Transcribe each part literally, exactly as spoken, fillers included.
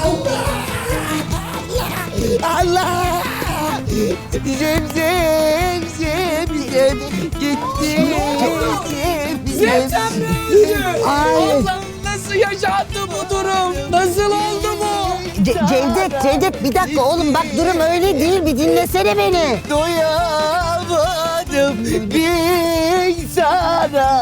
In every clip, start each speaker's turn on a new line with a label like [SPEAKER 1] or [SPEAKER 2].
[SPEAKER 1] Allah! Zem zem zem zem gitti. Zem
[SPEAKER 2] Zemzem mi öldü?
[SPEAKER 1] Ay.
[SPEAKER 2] Allah'ım nasıl yaşandı bu durum? Nasıl oldu bu?
[SPEAKER 1] Ce- Cevdet, Cevdet bir dakika oğlum bak durum öyle değil bir dinlesene beni. Doyamadım bir sana.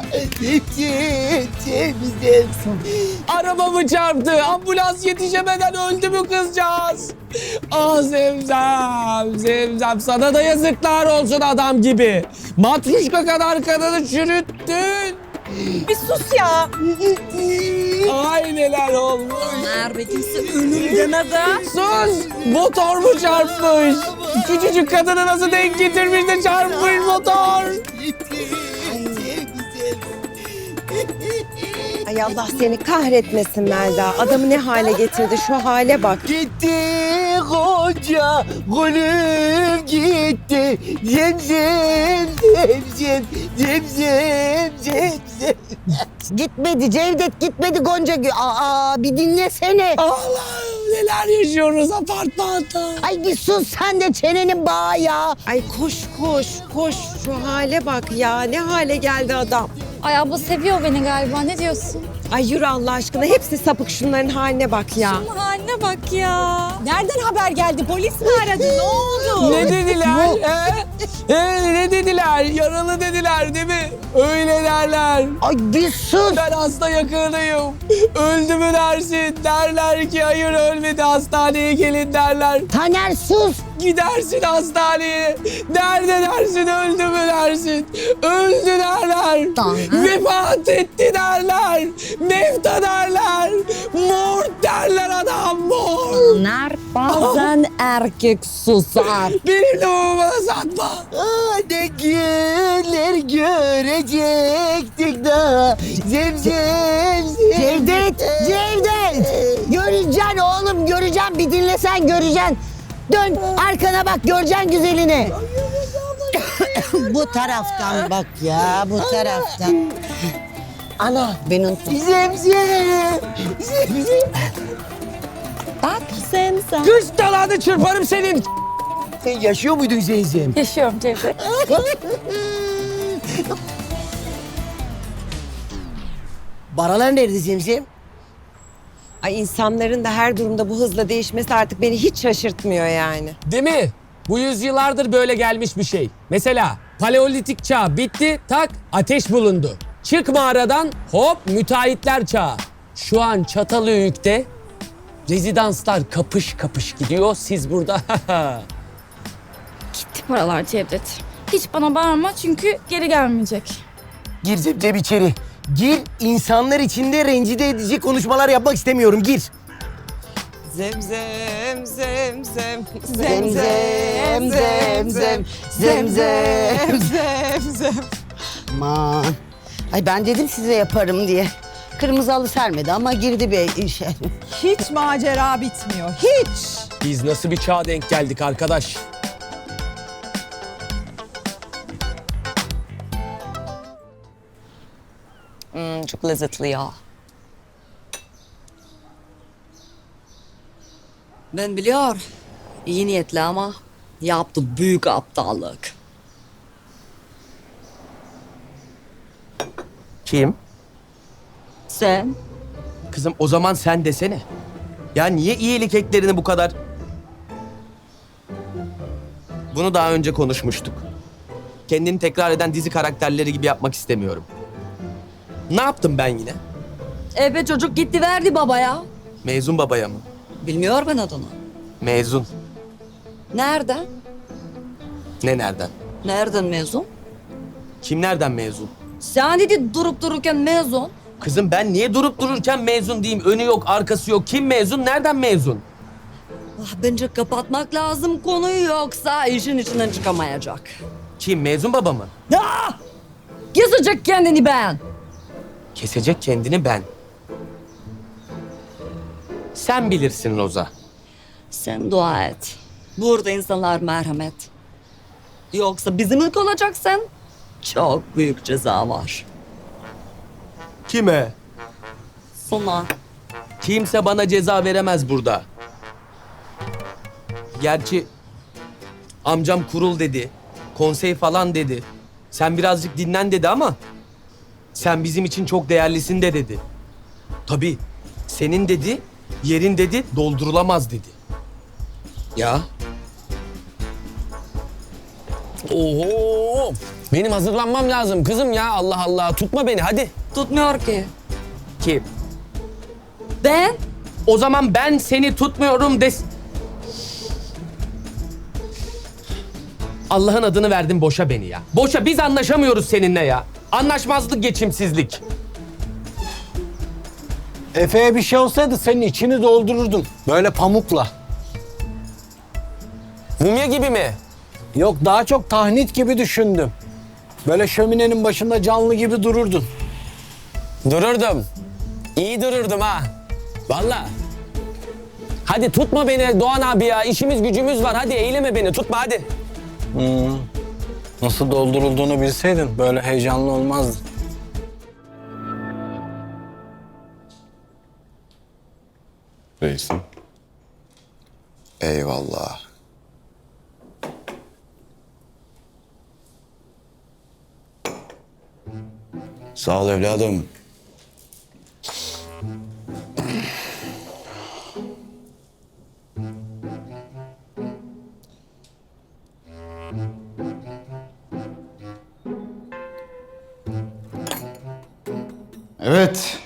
[SPEAKER 2] Arabamı çarptı. Ambulans yetişemeden öldü mü kızcağız? Ah Zemzem, Zemzem sana da yazıklar olsun adam gibi. Matruşka kadar kadını çürüttün.
[SPEAKER 3] Bir sus ya.
[SPEAKER 2] Ay neler olmuş.
[SPEAKER 3] Merve kimse ölüm demedi.
[SPEAKER 2] Sus! Motor mu çarpmış? Küçücük kadını nasıl denk getirmiş de çarpmış motor?
[SPEAKER 4] Ay Allah seni kahretmesin Melda. Adamı ne hale getirdi şu hale bak.
[SPEAKER 1] Gitti koca gülüm gitti. Zem zem zem zem zem zem zem zem. Gitmedi Cevdet gitmedi Gonca Gül. Aa bir dinlesene.
[SPEAKER 2] Allah'ım neler yaşıyoruz apartmanda.
[SPEAKER 1] Ay bir sus sen de çenenin bağı ya.
[SPEAKER 4] Ay koş koş koş şu hale bak ya. Ne hale geldi adam.
[SPEAKER 5] Ay abla seviyor beni galiba. Ne diyorsun?
[SPEAKER 4] Ay yürü Allah aşkına hepsi sapık şunların haline bak ya.
[SPEAKER 5] Şunun haline bak ya.
[SPEAKER 3] Nereden haber geldi? Polis mi aradı? Ne oldu?
[SPEAKER 2] Ne dediler? He? He, ne dediler? Yaralı dediler değil mi? Öyle derler.
[SPEAKER 1] Ay bir sus.
[SPEAKER 2] Ben hasta yakınıyım. Öldü mü dersin? Derler ki hayır ölmedi hastaneye gelin derler.
[SPEAKER 1] Taner sus.
[SPEAKER 2] Gidersin hastaneye. Nerede dersin öldü mü dersin? Öldü derler.
[SPEAKER 1] Taner.
[SPEAKER 2] Vefat etti derler. Mefta derler. Mort derler adam mort.
[SPEAKER 4] Taner bazen erkek susar.
[SPEAKER 2] Benim lafımı bana satma.
[SPEAKER 1] Aa, ne günler görecektik daha. Zem zem zem. Cevdet, Cevdet. Göreceksin oğlum, göreceksin. Bir dinlesen göreceksin. Dön arkana bak, göreceksin güzelini.
[SPEAKER 6] Bu taraftan bak ya, bu taraftan.
[SPEAKER 1] Ana.
[SPEAKER 6] Ben unuttum.
[SPEAKER 1] Zem zem. Zem zem.
[SPEAKER 4] Bak sen sen.
[SPEAKER 2] Kış dalanı çırparım senin.
[SPEAKER 1] Sen yaşıyor muydun Zemzem?
[SPEAKER 5] Yaşıyorum Cevdet.
[SPEAKER 1] Baralar nerede Zemzem?
[SPEAKER 4] Ay insanların da her durumda bu hızla değişmesi artık beni hiç şaşırtmıyor yani.
[SPEAKER 2] Değil mi? Bu yüzyıllardır böyle gelmiş bir şey. Mesela Paleolitik çağ bitti, tak ateş bulundu. Çık mağaradan hop müteahhitler çağı. Şu an Çatalhöyük'te rezidanslar kapış kapış gidiyor. Siz burada
[SPEAKER 5] Gitti paralar Cevdet. Hiç bana bağırma çünkü geri gelmeyecek.
[SPEAKER 1] Gir Zemzem içeri. Gir, insanlar içinde rencide edici konuşmalar yapmak istemiyorum. Gir.
[SPEAKER 4] Zem zem zem zem
[SPEAKER 1] Zem zem zem zem zem zem.
[SPEAKER 4] zem zem.
[SPEAKER 6] Aman. Ay ben dedim size yaparım diye. Kırmızı halı sermedi ama girdi bir işe.
[SPEAKER 3] Hiç macera bitmiyor. Hiç.
[SPEAKER 2] biz nasıl bir çağa denk geldik arkadaş?
[SPEAKER 4] Hmm, çok lezzetli ya.
[SPEAKER 7] Ben biliyor, iyi niyetli ama yaptı büyük aptallık.
[SPEAKER 8] Kim?
[SPEAKER 7] Sen?
[SPEAKER 8] Kızım o zaman sen desene. Ya niye iyilik eklerini bu kadar... Bunu daha önce konuşmuştuk. Kendini tekrar eden dizi karakterleri gibi yapmak istemiyorum. Ne yaptım ben yine?
[SPEAKER 7] Ebe çocuk gitti verdi babaya.
[SPEAKER 8] Mezun babaya mı?
[SPEAKER 7] Bilmiyor ben adını.
[SPEAKER 8] Mezun.
[SPEAKER 7] Nereden?
[SPEAKER 8] Ne nereden?
[SPEAKER 7] Nereden mezun?
[SPEAKER 8] Kim nereden mezun?
[SPEAKER 7] Sen dedi durup dururken mezun.
[SPEAKER 8] Kızım ben niye durup dururken mezun diyeyim? Önü yok, arkası yok. Kim mezun, nereden mezun?
[SPEAKER 7] Ah, bence kapatmak lazım konuyu yoksa işin içinden çıkamayacak.
[SPEAKER 8] Kim, mezun baba mı?
[SPEAKER 7] Ah! Kesecek kendini ben.
[SPEAKER 8] Kesecek kendini ben. Sen bilirsin Roza.
[SPEAKER 7] Sen dua et. Burada insanlar merhamet. Yoksa bizim ilk olacaksın. Çok büyük ceza var.
[SPEAKER 8] Kime?
[SPEAKER 7] Sana.
[SPEAKER 8] Kimse bana ceza veremez burada. Gerçi amcam kurul dedi, konsey falan dedi. Sen birazcık dinlen dedi ama sen bizim için çok değerlisin de dedi. Tabii senin dedi, yerin dedi doldurulamaz dedi. Ya.
[SPEAKER 2] Oho! Benim hazırlanmam lazım kızım ya. Allah Allah. Tutma beni hadi.
[SPEAKER 7] Tutmuyor ki.
[SPEAKER 8] Kim?
[SPEAKER 7] Ben?
[SPEAKER 8] O zaman ben seni tutmuyorum des... Allah'ın adını verdin boşa beni ya. Boşa, biz anlaşamıyoruz seninle ya. Anlaşmazlık, geçimsizlik.
[SPEAKER 9] Efe'ye bir şey olsaydı senin içini doldururdum. Böyle pamukla.
[SPEAKER 2] Mumya gibi mi?
[SPEAKER 9] Yok daha çok tahnit gibi düşündüm. Böyle şöminenin başında canlı gibi dururdun.
[SPEAKER 2] Dururdum. İyi dururdum ha. Vallahi. Hadi tutma beni Doğan abi ya. İşimiz gücümüz var. Hadi eyleme beni. Tutma hadi.
[SPEAKER 9] Hmm. Nasıl doldurulduğunu bilseydin böyle heyecanlı olmazdın.
[SPEAKER 10] Reisim. Eyvallah. Sağ ol evladım. Evet.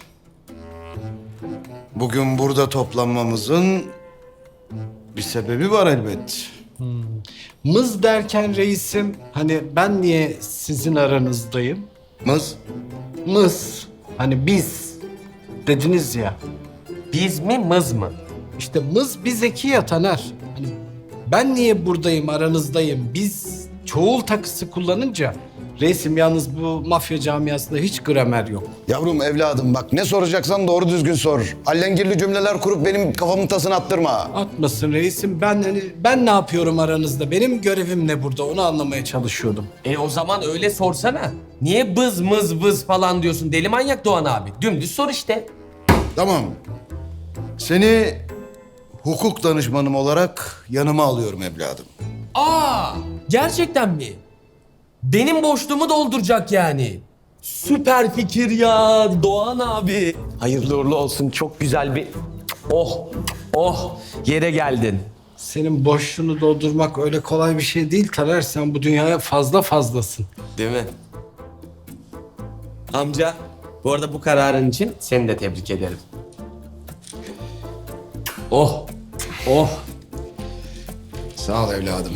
[SPEAKER 10] Bugün burada toplanmamızın bir sebebi var elbet.
[SPEAKER 9] Mız derken reisim hani ben niye sizin aranızdayım?
[SPEAKER 10] Mız?
[SPEAKER 9] Mız. Hani biz dediniz ya.
[SPEAKER 8] Biz mi, mız mı?
[SPEAKER 9] İşte mız bir zeki ya Taner. Hani ben niye buradayım aranızdayım? Biz çoğul takısı kullanınca reisim yalnız bu mafya camiasında hiç gramer yok.
[SPEAKER 10] Yavrum evladım bak ne soracaksan doğru düzgün sor. Allengirli cümleler kurup benim kafamın tasını attırma.
[SPEAKER 9] Atmasın reisim. Ben hani ben ne yapıyorum aranızda? Benim görevim ne burada? Onu anlamaya çalışıyordum.
[SPEAKER 8] E o zaman öyle sorsana. Niye bız mız bız falan diyorsun? Deli manyak Doğan abi. Dümdüz sor işte.
[SPEAKER 10] Tamam. Seni hukuk danışmanım olarak yanıma alıyorum evladım.
[SPEAKER 8] Aa, gerçekten mi? Benim boşluğumu dolduracak yani. Süper fikir ya Doğan abi. Hayırlı uğurlu olsun. Çok güzel bir... Oh, oh yere geldin.
[SPEAKER 9] Senin boşluğunu doldurmak öyle kolay bir şey değil Taner. Sen bu dünyaya fazla fazlasın.
[SPEAKER 8] Değil mi? Amca, bu arada bu kararın için seni de tebrik ederim. Oh, oh.
[SPEAKER 10] Sağ ol evladım.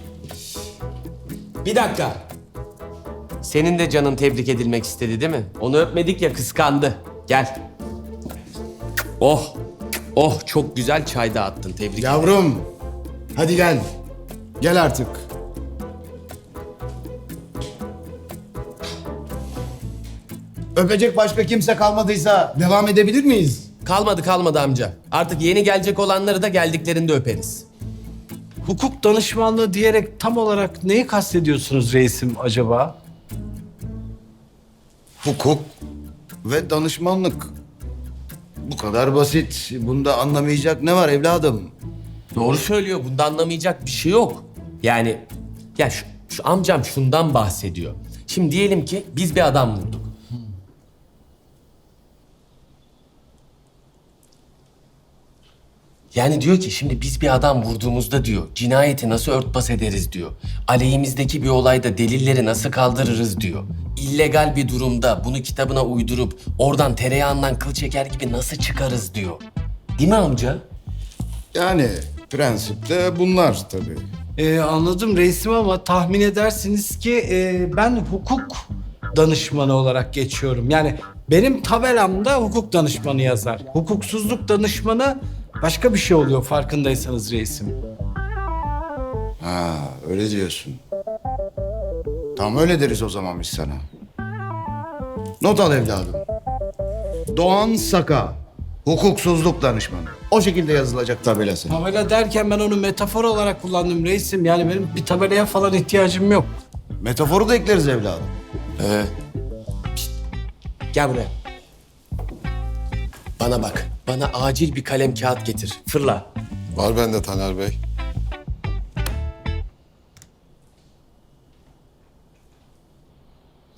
[SPEAKER 8] Bir dakika. Senin de canın tebrik edilmek istedi değil mi? Onu öpmedik ya, kıskandı. Gel. Oh, oh çok güzel çay dağıttın. Tebrik ederim.
[SPEAKER 10] Yavrum hadi gel. Gel artık. Öpecek başka kimse kalmadıysa devam edebilir miyiz?
[SPEAKER 8] Kalmadı kalmadı amca. Artık yeni gelecek olanları da geldiklerinde öperiz.
[SPEAKER 9] Hukuk danışmanlığı diyerek tam olarak neyi kastediyorsunuz reisim acaba?
[SPEAKER 10] Hukuk ve danışmanlık. Bu kadar basit. Bunda anlamayacak ne var evladım?
[SPEAKER 8] Doğru söylüyor. Bunda anlamayacak bir şey yok. Yani ya şu, şu amcam şundan bahsediyor. Şimdi diyelim ki biz bir adam vurduk. Yani diyor ki şimdi biz bir adam vurduğumuzda diyor cinayeti nasıl örtbas ederiz diyor. Aleyhimizdeki bir olayda delilleri nasıl kaldırırız diyor. İllegal bir durumda bunu kitabına uydurup oradan tereyağından kıl çeker gibi nasıl çıkarız diyor. Değil mi amca?
[SPEAKER 10] Yani prensipte bunlar tabii.
[SPEAKER 9] Ee, anladım reisim ama tahmin edersiniz ki e, ben hukuk danışmanı olarak geçiyorum. Yani benim tabelamda hukuk danışmanı yazar. Hukuksuzluk danışmanı başka bir şey oluyor farkındaysanız reisim.
[SPEAKER 10] Ha öyle diyorsun. Tam öyle deriz o zaman biz sana. Not al evladım. Doğan Saka, hukuksuzluk danışmanı. O şekilde yazılacak tabelası.
[SPEAKER 9] Tabela derken ben onu metafor olarak kullandım reisim. Yani benim bir tabelaya falan ihtiyacım yok.
[SPEAKER 10] Metaforu da ekleriz evladım.
[SPEAKER 8] Ee, pişt, gel buraya. Bana bak. Bana acil bir kalem kağıt getir. Fırla.
[SPEAKER 11] Var bende Taner Bey.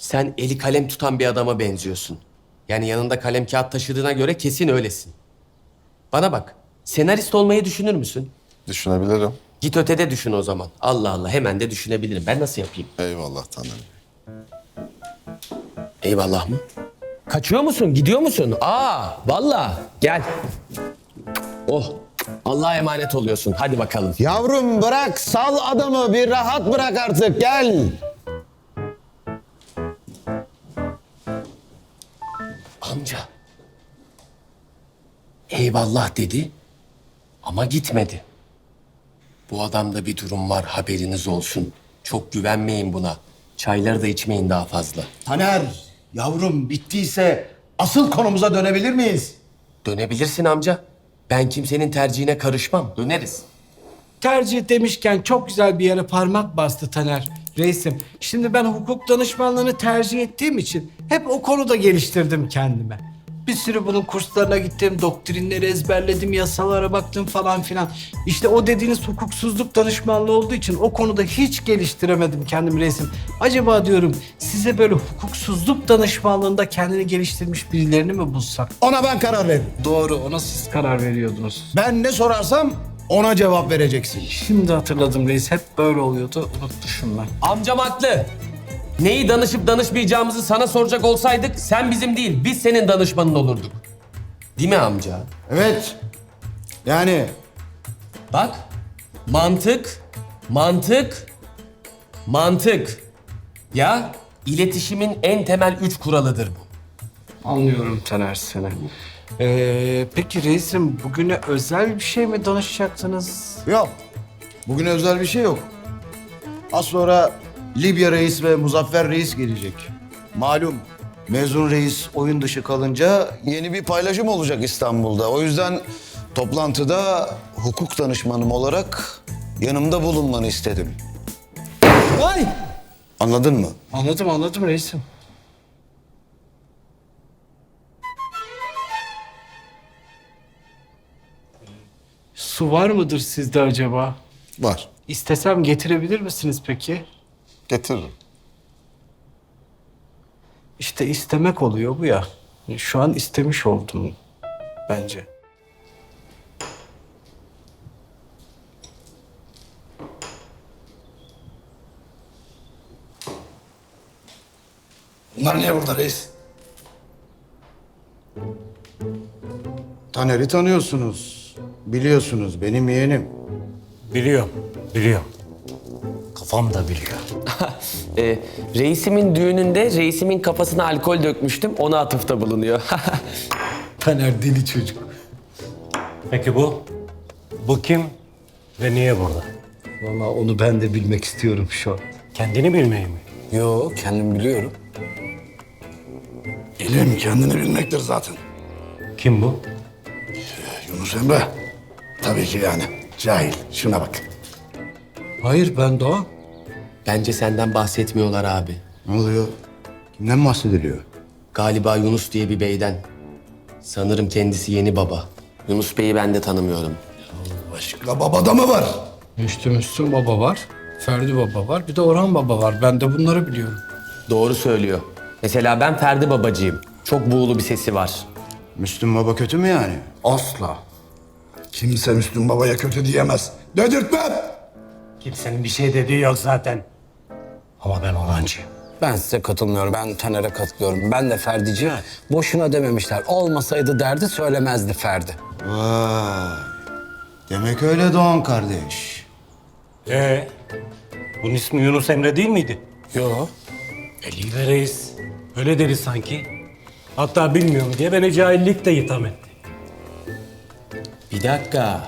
[SPEAKER 2] Sen eli kalem tutan bir adama benziyorsun. Yani yanında kalem kağıt taşıdığına göre kesin öylesin. Bana bak, senarist olmayı düşünür müsün?
[SPEAKER 11] Düşünebilirim.
[SPEAKER 2] Git ötede düşün o zaman. Allah Allah, hemen de düşünebilirim. Ben nasıl yapayım?
[SPEAKER 11] Eyvallah Taner.
[SPEAKER 2] Eyvallah mı? Kaçıyor musun? Gidiyor musun? Aa, vallahi. Gel. Oh, Allah'a emanet oluyorsun. Hadi bakalım.
[SPEAKER 10] Yavrum bırak, sal adamı, bir rahat bırak artık, gel.
[SPEAKER 2] Amca. Eyvallah dedi ama gitmedi. Bu adamda bir durum var, haberiniz olsun. Çok güvenmeyin buna. Çayları da içmeyin daha fazla.
[SPEAKER 10] Taner, yavrum bittiyse asıl konumuza dönebilir miyiz?
[SPEAKER 2] Dönebilirsin amca. Ben kimsenin tercihine karışmam. Döneriz.
[SPEAKER 9] Tercih demişken çok güzel bir yere parmak bastı Taner reisim. Şimdi ben hukuk danışmanlığını tercih ettiğim için hep o konuda geliştirdim kendime. Bir sürü bunun kurslarına gittim, doktrinleri ezberledim, yasalara baktım falan filan. İşte o dediğiniz hukuksuzluk danışmanlığı olduğu için o konuda hiç geliştiremedim kendimi reisim. Acaba diyorum size böyle hukuksuzluk danışmanlığında kendini geliştirmiş birilerini mi bulsak?
[SPEAKER 10] Ona ben karar veririm.
[SPEAKER 9] Doğru, ona siz karar veriyordunuz.
[SPEAKER 10] Ben ne sorarsam ona cevap vereceksin.
[SPEAKER 9] Şimdi hatırladım reis, hep böyle oluyordu, unutmuşum ben.
[SPEAKER 2] Amcam haklı. Neyi danışıp danışmayacağımızı sana soracak olsaydık sen bizim değil, biz senin danışmanın olurduk. Değil mi amca?
[SPEAKER 10] Evet. Yani
[SPEAKER 2] Bak, mantık, mantık, mantık. Ya, iletişimin en temel üç kuralıdır bu.
[SPEAKER 9] Anlıyorum Taner seni. Ee, peki reisim bugüne özel bir şey mi danışacaktınız?
[SPEAKER 10] yok. Bugün özel bir şey yok. Az sonra Libya Reis ve Muzaffer Reis gelecek. Malum mezun reis oyun dışı kalınca yeni bir paylaşım olacak İstanbul'da. O yüzden toplantıda hukuk danışmanım olarak yanımda bulunmanı istedim.
[SPEAKER 9] Ay!
[SPEAKER 10] Anladın mı?
[SPEAKER 9] Anladım anladım reisim. Su var mıdır sizde acaba?
[SPEAKER 10] Var.
[SPEAKER 9] İstesem getirebilir misiniz peki?
[SPEAKER 11] Getiririm.
[SPEAKER 9] İşte istemek oluyor bu ya. Şu an istemiş oldum bence.
[SPEAKER 10] Bunlar niye burada reis? Taner'i tanıyorsunuz. Biliyorsunuz benim yeğenim.
[SPEAKER 12] Biliyorum, biliyorum. Kafam da biliyor.
[SPEAKER 2] Ee, reisimin düğününde reisimin kafasına alkol dökmüştüm, ona atıfta bulunuyor.
[SPEAKER 9] Taner deli çocuk.
[SPEAKER 12] Peki bu? Bu kim ve niye burada?
[SPEAKER 9] Vallahi onu ben de bilmek istiyorum şu an.
[SPEAKER 12] Kendini bilmeyi mi?
[SPEAKER 9] Yo, kendim biliyorum.
[SPEAKER 10] İlim kendini bilmektir zaten.
[SPEAKER 12] Kim bu?
[SPEAKER 10] Yunus Emre. Tabii ki yani. Cahil. Şuna bak.
[SPEAKER 9] Hayır, ben Doğan.
[SPEAKER 2] Bence senden bahsetmiyorlar abi.
[SPEAKER 10] Ne oluyor? Kimden bahsediliyor?
[SPEAKER 2] Galiba Yunus diye bir beyden. Sanırım kendisi yeni baba. Yunus Bey'i ben de tanımıyorum.
[SPEAKER 10] Başka babada mı var?
[SPEAKER 9] Müslüm Müslüm Baba var. Ferdi Baba var. Bir de Orhan Baba var. Ben de bunları biliyorum.
[SPEAKER 2] Doğru söylüyor. Mesela ben Ferdi babacıyım. Çok buğulu bir sesi var.
[SPEAKER 10] Müslüm Baba kötü mü yani?
[SPEAKER 9] Asla.
[SPEAKER 10] Kimse Müslüm Baba'ya kötü diyemez. Dedirtmem.
[SPEAKER 12] Kimsenin bir şey dediği yok zaten. Ama ben Orhancıyım.
[SPEAKER 13] Ben size katılmıyorum. Ben Taner'e katılıyorum. Ben de Ferdici. Boşuna dememişler. Olmasaydı derdi söylemezdi Ferdi.
[SPEAKER 10] Vay. Demek öyle Doğan kardeş.
[SPEAKER 12] Ee, bunun ismi Yunus Emre değil miydi?
[SPEAKER 13] Yo.
[SPEAKER 12] Eli reis. Öyle dedi sanki. Hatta bilmiyorum diye beni cahillik de itham etti.
[SPEAKER 2] Bir dakika.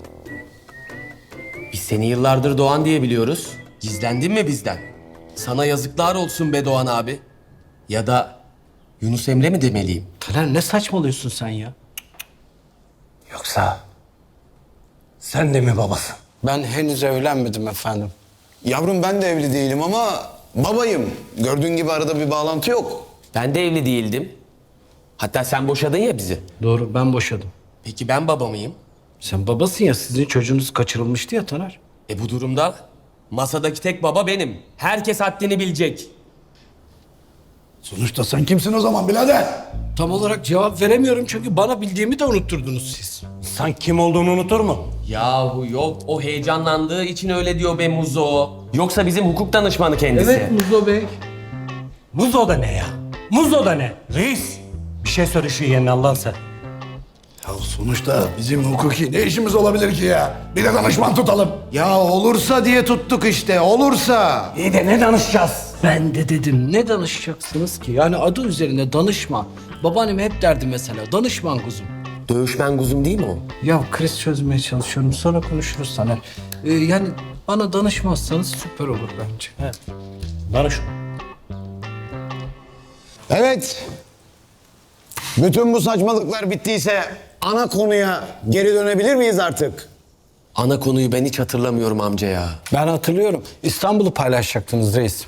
[SPEAKER 2] Biz seni yıllardır Doğan diye biliyoruz. Gizlendin mi bizden? Sana yazıklar olsun be Doğan abi. Ya da Yunus Emre mi demeliyim?
[SPEAKER 9] Taner ne saçmalıyorsun sen ya?
[SPEAKER 12] Yoksa sen de mi babasın?
[SPEAKER 13] Ben henüz evlenmedim efendim.
[SPEAKER 10] Yavrum ben de evli değilim ama babayım. Gördüğün gibi arada bir bağlantı yok.
[SPEAKER 2] Ben de evli değildim. Hatta sen boşadın ya bizi.
[SPEAKER 9] Doğru, ben boşadım.
[SPEAKER 2] Peki ben baba mıyım?
[SPEAKER 9] Sen babasın ya, sizin çocuğunuz kaçırılmıştı ya Taner.
[SPEAKER 2] E bu durumda masadaki tek baba benim. Herkes haddini bilecek.
[SPEAKER 9] Sonuçta sen kimsin o zaman birader? Tam olarak cevap veremiyorum çünkü bana bildiğimi de unutturdunuz siz.
[SPEAKER 12] İnsan kim olduğunu unutur mu?
[SPEAKER 2] Yahu yok o heyecanlandığı için öyle diyor be Muzo. Yoksa bizim hukuk danışmanı kendisi.
[SPEAKER 9] Evet Muzo Bey.
[SPEAKER 12] Muzo da ne ya? Muzo da ne? Reis. Bir şey söyle şu yeğenine Allah'ın sen.
[SPEAKER 11] Ya sonuçta bizim hukuki ne işimiz olabilir ki ya? Bir de danışman tutalım. Ya olursa diye tuttuk işte, olursa.
[SPEAKER 12] İyi de ne danışacağız?
[SPEAKER 9] Ben de dedim ne danışacaksınız ki? Yani adı üzerine danışman. Babaannem hep derdi mesela danışman kuzum.
[SPEAKER 2] Dövüşmen kuzum değil mi o?
[SPEAKER 9] Ya kriz çözmeye çalışıyorum sonra konuşuruz sana. Ee, yani bana danışmazsanız süper olur bence.
[SPEAKER 12] Danış.
[SPEAKER 10] Evet. Bütün bu saçmalıklar bittiyse ana konuya geri dönebilir miyiz artık?
[SPEAKER 2] Ana konuyu ben hiç hatırlamıyorum amca ya.
[SPEAKER 13] Ben hatırlıyorum. İstanbul'u paylaşacaktınız reis.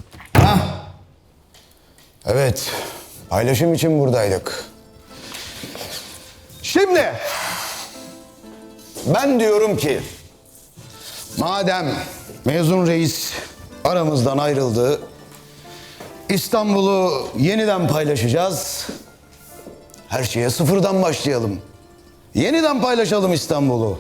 [SPEAKER 10] Evet. Paylaşım için buradaydık. Şimdi ben diyorum ki madem mezun reis aramızdan ayrıldı, İstanbul'u yeniden paylaşacağız. Her şeye sıfırdan başlayalım. Yeniden paylaşalım İstanbul'u.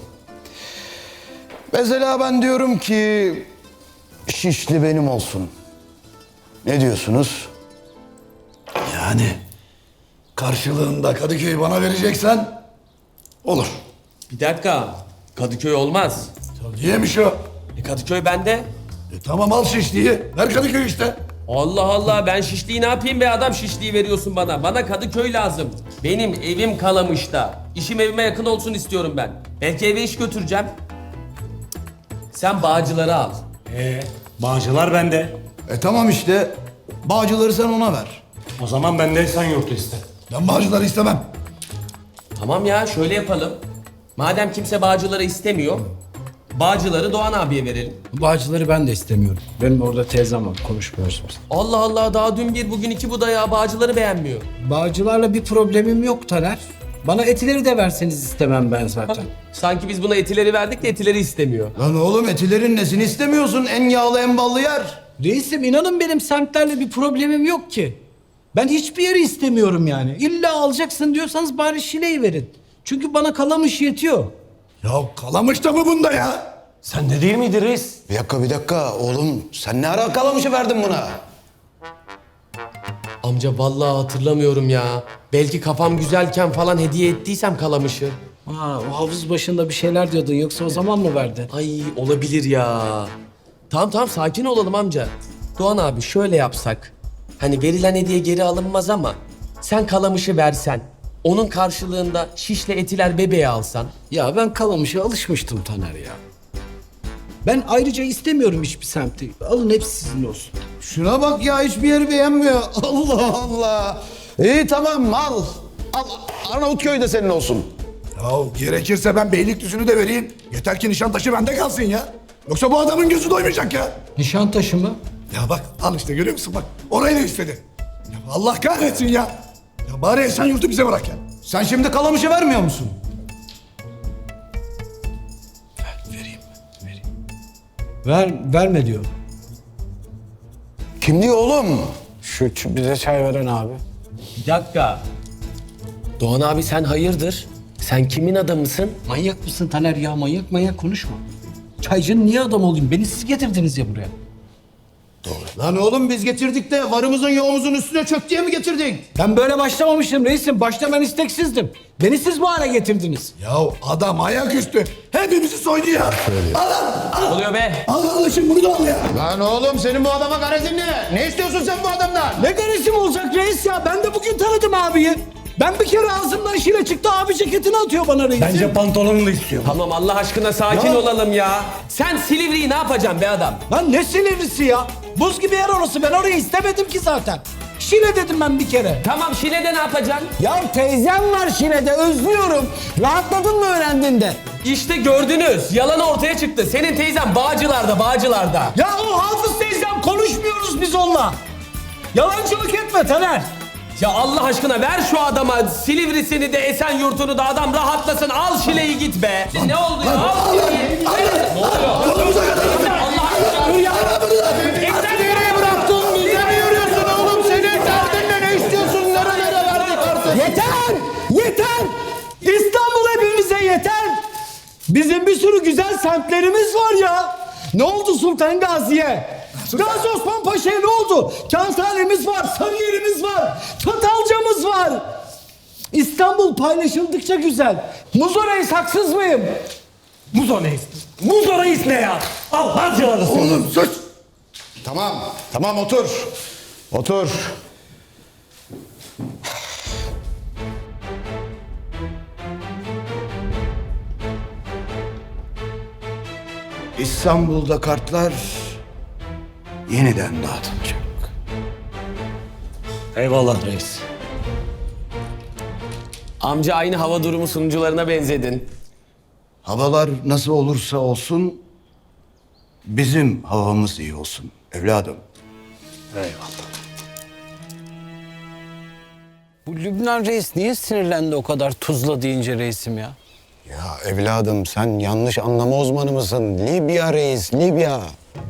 [SPEAKER 10] Mesela ben diyorum ki Şişli benim olsun. Ne diyorsunuz?
[SPEAKER 11] Yani karşılığında Kadıköy'ü bana vereceksen olur.
[SPEAKER 2] Bir dakika. Kadıköy olmaz.
[SPEAKER 11] Niyemiş o?
[SPEAKER 2] E Kadıköy bende.
[SPEAKER 11] E tamam al Şişli'yi. Ver Kadıköy'ü işte.
[SPEAKER 2] Allah Allah ben Şişli'yi ne yapayım be adam Şişli'yi veriyorsun bana. Bana Kadıköy lazım. Benim evim Kalamış'ta. İşim evime yakın olsun istiyorum ben. Belki eve iş götüreceğim. Sen Bağcılar'ı al.
[SPEAKER 12] Ee, Bağcılar bende.
[SPEAKER 11] E tamam işte. Bağcıları sen ona ver.
[SPEAKER 12] O zaman ben de Esenyurt'u iste.
[SPEAKER 11] Ben Bağcıları istemem.
[SPEAKER 2] Tamam ya şöyle yapalım. Madem kimse Bağcılar'ı istemiyor, Bağcılar'ı Doğan abiye verelim.
[SPEAKER 9] Bağcıları ben de istemiyorum. Benim orada teyzem var konuşmuyoruz biz.
[SPEAKER 2] Allah Allah daha dün bir bugün iki bu da ya Bağcılar'ı beğenmiyor.
[SPEAKER 9] Bağcılarla bir problemim yok Taner. Bana etileri de verseniz istemem ben zaten.
[SPEAKER 2] Sanki biz buna etileri verdik de etileri istemiyor.
[SPEAKER 10] Lan oğlum etilerin nesini istemiyorsun? En yağlı en ballı yer.
[SPEAKER 9] Reisim inanın benim semtlerle bir problemim yok ki. Ben hiçbir yeri istemiyorum yani. İlla alacaksın diyorsanız bari Şile'yi verin. Çünkü bana Kalamış yetiyor.
[SPEAKER 11] Ya Kalamış da mı bunda ya?
[SPEAKER 12] Sen de değil miydi reis?
[SPEAKER 10] Bir dakika bir dakika oğlum sen ne ara Kalamış'ı verdin buna?
[SPEAKER 2] Amca vallahi hatırlamıyorum ya. Belki kafam güzelken falan hediye ettiysem Kalamış'ı.
[SPEAKER 9] Aa, o havuz başında bir şeyler diyordun yoksa o zaman mı verdin?
[SPEAKER 2] Ay olabilir ya. Tamam tamam sakin olalım amca. Doğan abi şöyle yapsak. Hani verilen hediye geri alınmaz ama sen Kalamış'ı versen. Onun karşılığında Şişli Etiler bebeği alsan.
[SPEAKER 9] Ya ben Kalamış'a alışmıştım Taner ya. Ben ayrıca istemiyorum hiçbir semti. Alın hepsi sizin olsun.
[SPEAKER 10] Şuna bak ya hiçbir yeri beğenmiyor. Allah Allah. İyi tamam al. Al Arnavutköy de senin olsun.
[SPEAKER 11] Ya gerekirse ben Beylikdüzü'nü de vereyim. Yeter ki Nişantaşı bende kalsın ya. Yoksa bu adamın gözü doymayacak ya.
[SPEAKER 9] Nişantaşı mı?
[SPEAKER 11] Ya bak al işte görüyor musun bak. Orayı da istedi. Ya Allah kahretsin ya. Ya bari Esenyurt'u bize bırak ya.
[SPEAKER 10] Sen şimdi Kalamış'ı vermiyor musun?
[SPEAKER 11] Vereyim vereyim.
[SPEAKER 9] Ver, verme diyor.
[SPEAKER 10] Kim diyor oğlum?
[SPEAKER 13] Şu ç- bize çay veren abi.
[SPEAKER 2] Bir dakika. Doğan abi sen hayırdır? Sen kimin adamısın?
[SPEAKER 9] Manyak mısın Taner ya? Manyak manyak konuşma. Çaycının niye adam olayım? Beni siz getirdiniz ya buraya.
[SPEAKER 10] Lan oğlum biz getirdik de varımızın yoğumuzun üstüne çök diye mi getirdik?
[SPEAKER 9] Ben böyle başlamamıştım reisim. Başta ben isteksizdim. Beni siz bu hale getirdiniz.
[SPEAKER 11] Ya adam ayaküstü. Hepimizi soydu ya. Al al al.
[SPEAKER 2] Oluyor be.
[SPEAKER 11] Al al şimdi bunu da al ya.
[SPEAKER 10] Lan oğlum senin bu adama garezin ne? Ne istiyorsun sen bu adamdan?
[SPEAKER 9] Ne garezim olacak reis ya? Ben de bugün tanıdım abiyi. Ben bir kere ağzımdan şile çıktı abi ceketini atıyor bana reisim.
[SPEAKER 12] Bence pantolonunu da istiyor.
[SPEAKER 2] Tamam Allah aşkına sakin
[SPEAKER 9] Ya.
[SPEAKER 2] olalım ya. Sen Silivri'yi ne yapacaksın be adam?
[SPEAKER 9] Lan ne Silivrisi ya? Buz gibi yer orası. Ben orayı istemedim ki zaten. Şile dedim ben bir kere.
[SPEAKER 2] Tamam Şile'de ne yapacaksın?
[SPEAKER 1] Ya teyzem var Şile'de özlüyorum. Rahatladın mı öğrendiğinde?
[SPEAKER 2] İşte gördünüz. Yalan ortaya çıktı. Senin teyzen Bağcılar'da, Bağcılar'da.
[SPEAKER 9] Ya o hafız teyzem konuşmuyoruz biz onunla. Yalancılık etme Taner.
[SPEAKER 2] Ya Allah aşkına ver şu adama Silivri'sini de Esenyurt'unu da adam rahatlasın. Al Şile'yi git be. Ne oldu ya? Al Şile'yi. Ne oluyor?
[SPEAKER 11] Kolumuza kadar.
[SPEAKER 2] Allah aşkına.
[SPEAKER 1] Dur ya. Sen nereye bıraktın? Bize mi yürüyorsun oğlum? Senin derdin ne?
[SPEAKER 9] Bizim bir sürü güzel semtlerimiz var ya. Ne oldu Sultan Gazi'ye? Gazi Osman Paşa'ya ne oldu? Kağıthane'miz var, Sarıyer'imiz var, Çatalca'mız var. İstanbul paylaşıldıkça güzel. Muzo Reis haksız mıyım?
[SPEAKER 12] Muzo Reis. Muzo Reis ne ya? Allah cihazı.
[SPEAKER 11] Oğlum sus. Tamam, tamam otur. Otur. İstanbul'da kartlar yeniden dağıtılacak.
[SPEAKER 12] Eyvallah reis.
[SPEAKER 2] Amca aynı hava durumu sunucularına benzedin.
[SPEAKER 11] Havalar nasıl olursa olsun bizim havamız iyi olsun evladım.
[SPEAKER 12] Eyvallah.
[SPEAKER 13] Bu Lübnan reis niye sinirlendi o kadar tuzla deyince reisim ya?
[SPEAKER 10] Ya evladım sen yanlış anlama uzmanı mısın? Libya reis, Libya.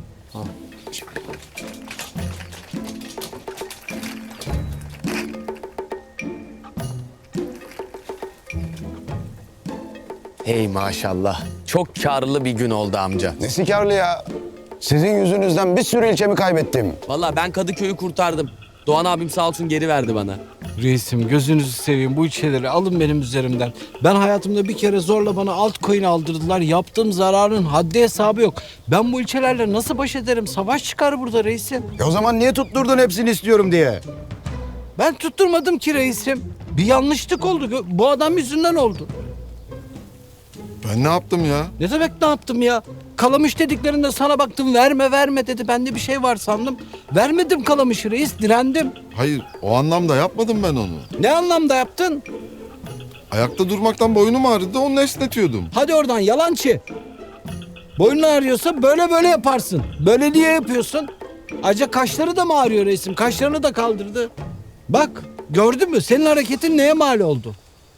[SPEAKER 2] Hey maşallah. Çok karlı bir gün oldu amca.
[SPEAKER 10] Nesi karlı ya? Sizin yüzünüzden bir sürü ilçemi kaybettim.
[SPEAKER 2] Vallahi ben Kadıköy'ü kurtardım. Doğan abim sağ olsun geri verdi bana.
[SPEAKER 9] Reisim gözünüzü seveyim bu ilçeleri alın benim üzerimden. Ben hayatımda bir kere zorla bana altcoin aldırdılar. Yaptığım zararın haddi hesabı yok. Ben bu ilçelerle nasıl baş ederim? Savaş çıkar burada reisim.
[SPEAKER 10] E o zaman niye tutturdun hepsini istiyorum diye?
[SPEAKER 9] Ben tutturmadım ki reisim. Bir yanlışlık oldu. Bu adam yüzünden oldu.
[SPEAKER 11] Ben ne yaptım ya?
[SPEAKER 9] Ne demek ne yaptım ya? Kalamış dediklerinde sana baktım verme verme dedi. Bende bir şey var sandım. Vermedim kalamışı reis direndim.
[SPEAKER 11] Hayır, o anlamda yapmadım ben onu.
[SPEAKER 9] Ne anlamda yaptın?
[SPEAKER 11] Ayakta durmaktan boynum ağrıdı, onu esnetiyordum.
[SPEAKER 9] Hadi oradan yalancı. Boynun ağrıyorsa böyle böyle yaparsın. Böyle niye yapıyorsun? Ayrıca kaşları da mı ağrıyor reisim? Kaşlarını da kaldırdı. Bak gördün mü? Senin hareketin neye mal oldu?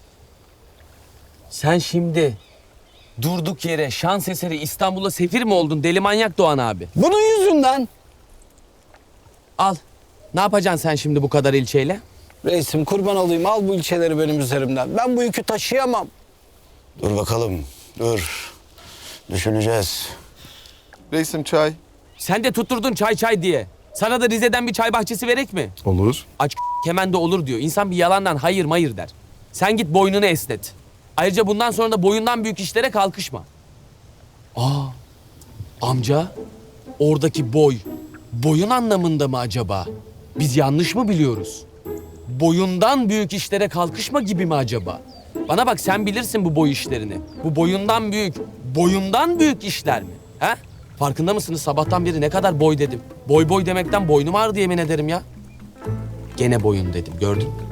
[SPEAKER 2] Sen şimdi durduk yere şans eseri İstanbul'a sefir mi oldun deli manyak Doğan abi?
[SPEAKER 13] Bunun yüzünden.
[SPEAKER 2] Al. Ne yapacaksın sen şimdi bu kadar ilçeyle?
[SPEAKER 13] Reisim kurban olayım al bu ilçeleri benim üzerimden. Ben bu yükü taşıyamam.
[SPEAKER 10] Dur bakalım, dur. Düşüneceğiz.
[SPEAKER 11] Reisim çay.
[SPEAKER 2] Sen de tutturdun çay çay diye. Sana da Rize'den bir çay bahçesi verek mi?
[SPEAKER 11] Olur.
[SPEAKER 2] Aç hemen de olur diyor. İnsan bir yalandan hayır mayır der. Sen git boynunu esnet. Ayrıca bundan sonra da boyundan büyük işlere kalkışma. Aa, amca oradaki boy, boyun anlamında mı acaba? Biz yanlış mı biliyoruz? Boyundan büyük işlere kalkışma gibi mi acaba? Bana bak sen bilirsin bu boy işlerini. Bu boyundan büyük, boyundan büyük işler mi? He? Farkında mısınız sabahtan beri ne kadar boy dedim. Boy boy demekten boynum ağrıdı yemin ederim ya. Gene boyun dedim gördün mü?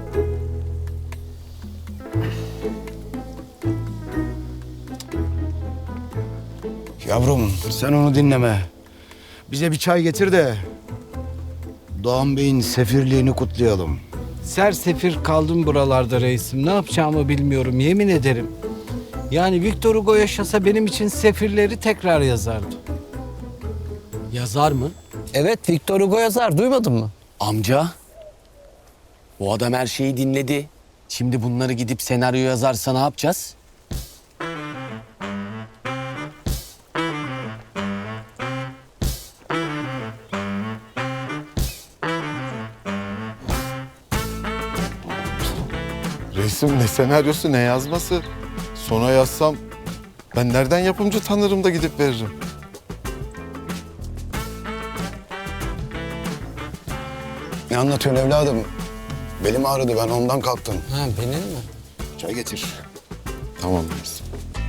[SPEAKER 10] Yavrum sen onu dinleme. Bize bir çay getir de Doğan Bey'in sefirliğini kutlayalım.
[SPEAKER 9] Sersefir kaldım buralarda reisim. Ne yapacağımı bilmiyorum yemin ederim. Yani Victor Hugo yaşasa benim için sefirleri tekrar yazardı.
[SPEAKER 2] Yazar mı?
[SPEAKER 13] Evet Victor Hugo yazar duymadın mı?
[SPEAKER 2] Amca. O adam her şeyi dinledi. Şimdi bunları gidip senaryo yazarsa ne yapacağız?
[SPEAKER 11] Reisim ne senaryosu ne yazması? Sona yazsam ben nereden yapımcı tanırım da gidip veririm.
[SPEAKER 10] Ne anlatıyorsun evladım? Belim ağrıdı ben ondan kalktım.
[SPEAKER 13] Ha benim mi?
[SPEAKER 10] Çay getir.
[SPEAKER 11] Tamam reisim.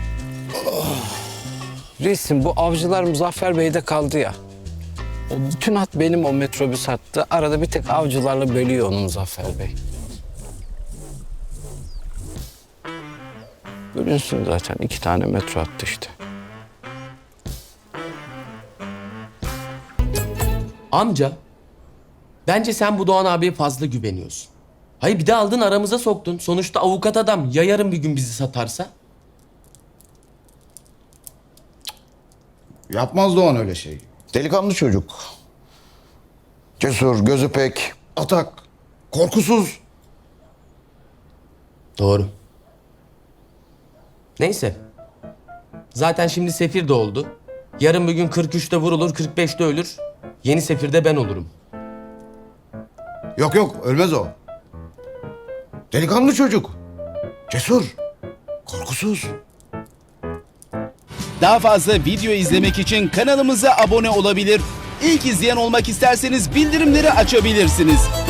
[SPEAKER 9] Reisim bu avcılar Muzaffer Bey'de kaldı ya. O bütün hat benim o metrobüs hattı. Arada bir tek avcılarla bölüyor onu Muzaffer Bey. Bölünsün zaten iki tane metro hattı işte.
[SPEAKER 2] Amca. Bence sen bu Doğan abiye fazla güveniyorsun. Hayır bir de aldın aramıza soktun. Sonuçta avukat adam ya yarın bir gün bizi satarsa?
[SPEAKER 10] Yapmaz Doğan öyle şey. Delikanlı çocuk. Cesur, gözü pek, atak, korkusuz.
[SPEAKER 2] Doğru. Neyse.
[SPEAKER 8] Zaten şimdi Sefir de oldu. Yarın bir gün kırk üçte vurulur, kırk beşte ölür. Yeni Sefir'de ben olurum.
[SPEAKER 10] Yok yok ölmez o. Delikanlı çocuk. Cesur. Korkusuz.
[SPEAKER 14] Daha fazla video izlemek için kanalımıza abone olabilir. İlk izleyen olmak isterseniz bildirimleri açabilirsiniz.